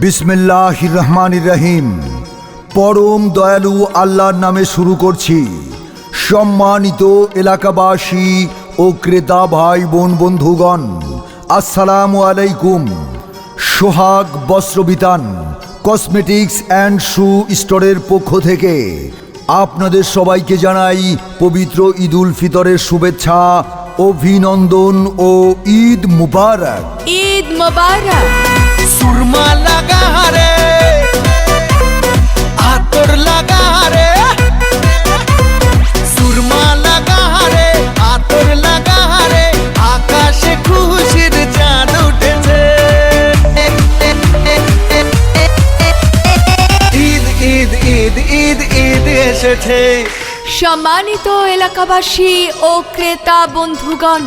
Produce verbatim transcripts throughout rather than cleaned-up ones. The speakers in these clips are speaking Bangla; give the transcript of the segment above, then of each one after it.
বিসমিল্লাহির রহমানির রহিম। পরম দয়ালু আল্লাহর নামে শুরু করছি। সম্মানিত এলাকাবাসী ও ক্রেতা ভাই বোন বন্ধুগণ, আসসালামু আলাইকুম। সোহাগ বস্ত্রবিতান কসমেটিক্স অ্যান্ড শু স্টোরের পক্ষ থেকে আপনাদের সবাইকে জানাই পবিত্র ঈদ উল ফিতরের শুভেচ্ছা, অভিনন্দন ও ঈদ মুবারক। ঈদ মুবারক। সুরমা লাগা রে, আতর লাগা রে, সুরমা লাগা রে, আতর লাগা রে, আকাশে খুশির চাঁদ উঠেছে। ঈদ ঈদ ঈদ ঈদ ঈদ এসেছে। সম্মানিত এলাকাবাসী ও ক্রেতা বন্ধুগণ,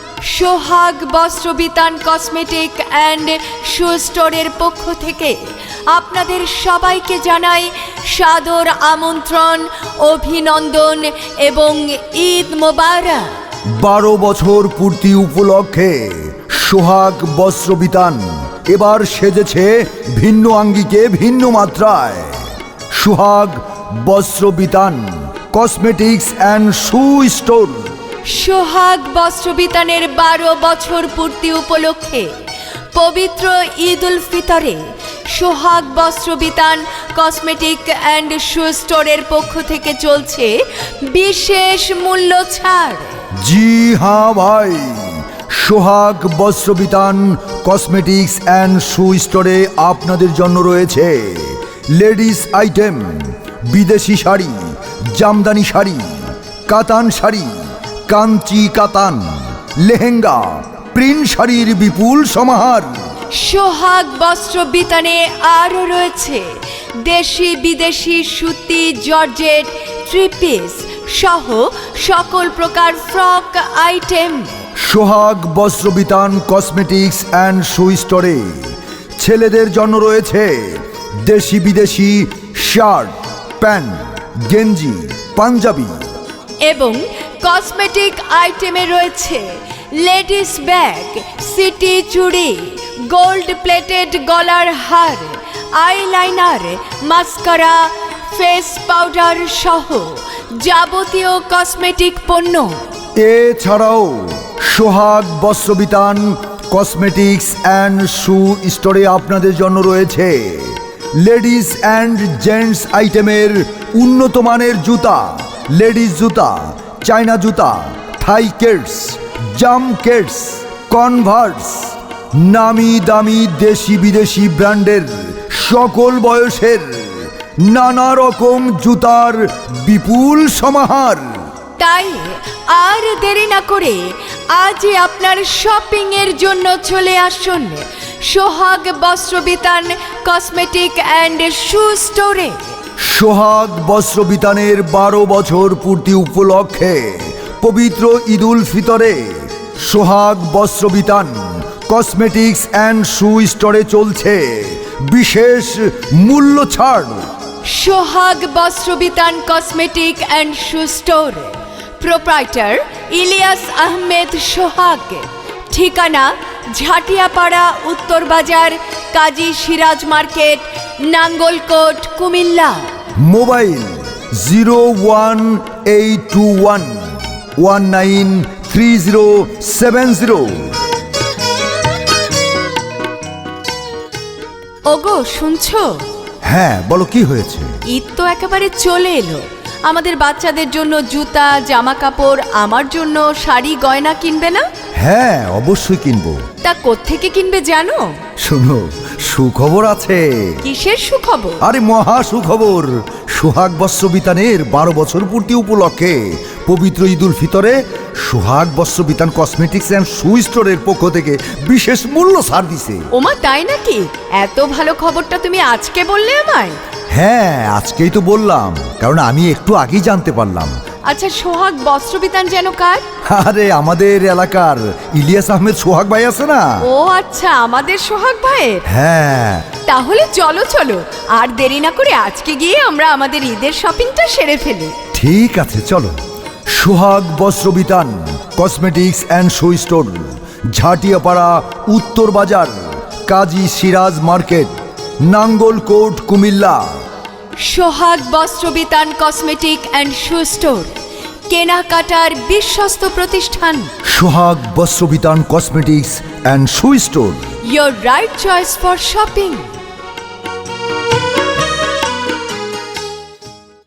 সোহাগ বস্ত্রবিতান কসমেটিক অ্যান্ড শু স্টোরের পক্ষ থেকে আপনাদের সবাইকে জানাই সাদর আমন্ত্রণ, অভিনন্দন এবং ঈদ মোবারক। বারো বছর পূর্তি উপলক্ষে সোহাগ বস্ত্রবিতান এবার সেজেছে ভিন্ন আঙ্গিকে ভিন্ন মাত্রায়। Sohag Bastrabitan cosmetics and shoe store. Sohag বস্ত্রবিতানের বারো বছর পূর্তি উপলক্ষে পবিত্র ঈদ উল ফিতরে Sohag Bastrabitan cosmetic and shoe স্টোরের পক্ষ থেকে চলছে বিশেষ মূল্য ছাড়। জি হ্যাঁ ভাই, সোহাগ বস্ত্রবিতান কসমেটিক্স অ্যান্ড শু স্টোরে আপনাদের জন্য রয়েছে লেডিস আইটেম, বিদেশি শাড়ি, জামদানি শাড়ি, কাতান শাড়ি, কাঞ্চি কাতান, লেহেঙ্গা, প্রিন্ট শাড়ির বিপুল সমাহার। সোহাগ বস্ত্রবিতানে আরও রয়েছে দেশি বিদেশি সুতি, জর্জেট, থ্রি পিস সহ সকল প্রকার frock item. Sohag Bastrabitan cosmetics and shoe স্টোরে ছেলেদের জন্য রয়েছে দেশি বিদেশি শার্ট, প্যান্ট, গেঞ্জি, পাঞ্জাবি এবং কসমেটিক আইটেমে রয়েছে লেডিস ব্যাগ, সিটি চুড়ি, গোল্ড প্লেটেড গলার হার, আইলাইনার, মাস্কারা, ফেস পাউডার সহ যাবতীয় কসমেটিক পণ্য। এছাড়াও সোহাগ বস্ত্রবিতান কসমেটিক্স অ্যান্ড শু স্টোরে আপনাদের জন্য রয়েছে লেডিস অ্যান্ড জেন্টস আইটেমের উন্নত মানের জুতা, লেডিস জুতা, চায়না জুতা, থাই কেটস, জাম কেটস, কনভার্স, নামি দামি দেশি বিদেশি ব্র্যান্ডের সকল বয়সের নানা রকম জুতার বিপুল সমাহার। তাই আর দেরি না করে আজই আপনার শপিং এর জন্য চলে আসুন সোহাগ বস্ত্রবিতান কসমেটিক অ্যান্ড শু স্টোরে। সোহাগ বস্ত্রবিতানের বারো বছর পূর্তি উপলক্ষে পবিত্র ঈদ উল ফিতরে Sohag Bastrabitan cosmetics and shoe স্টোরে চলছে বিশেষ মূল্য ছাড়। Sohag Bastrabitan cosmetic and shoe store, proprietor Ilias Ahmed Sohag, ঠিকানা Jhatiyapara, Uttar Bazar, Kazi Siraj market, Nangalkot, Comilla. Mobile zero one eight two one one nine three zero seven zero. ওগো শুনছো? হ্যাঁ বলো, কি হয়েছে? ঈদ তো একেবারে চলে এলো। আমাদের বাচ্চাদের জন্য জুতা, জামা কাপড়, আমার জন্য শাড়ি গয়না কিনবে না? হ্যাঁ অবশ্যই কিনবো। তা কোত্থেকে কিনবে জানো? শোনো, সুখবর আছে। কিসের সুখবর? আরে মহা সুখবর। সোহাগ বস্ত্রবিতানের বারো বছর পূর্তি উপলক্ষে পবিত্র ঈদ উল ফিতরে Sohag Bastrabitan cosmetics and shoe স্টোরের পক্ষ থেকে বিশেষ মূল্য ছাড় দিছে। ওমা তাই নাকি? এত ভালো খবরটা তুমি আজকে বললে আমায়? হ্যাঁ আজকেই তো বললাম, কারণ আমি একটু আগেই জানতে পারলাম। আচ্ছা, সোহাগ বস্ত্রবিতান যেন কার? আরে আমাদের এলাকার ইলিয়াস আহমেদ সোহাগ ভাই আছে না? ও আচ্ছা, আমাদের সোহাগ ভাইয়ের। হ্যাঁ তাহলে চলো চলো, আর দেরি না করে আজকে গিয়ে আমরা আমাদের ঈদের শপিংটা সেরে ফেলি। ঠিক আছে চলো। Sohag Bastrabitan cosmetics and shoe store, Jhatiyapara, Uttar Bazar, Kazi Siraj market, Nangalkot, Comilla. Sohag Bastrabitan cosmetic and shoe store, কেনাকাটার বিশ্বস্ত প্রতিষ্ঠান। Sohag Bastrabitan cosmetics and shoe store. Your right choice for shopping.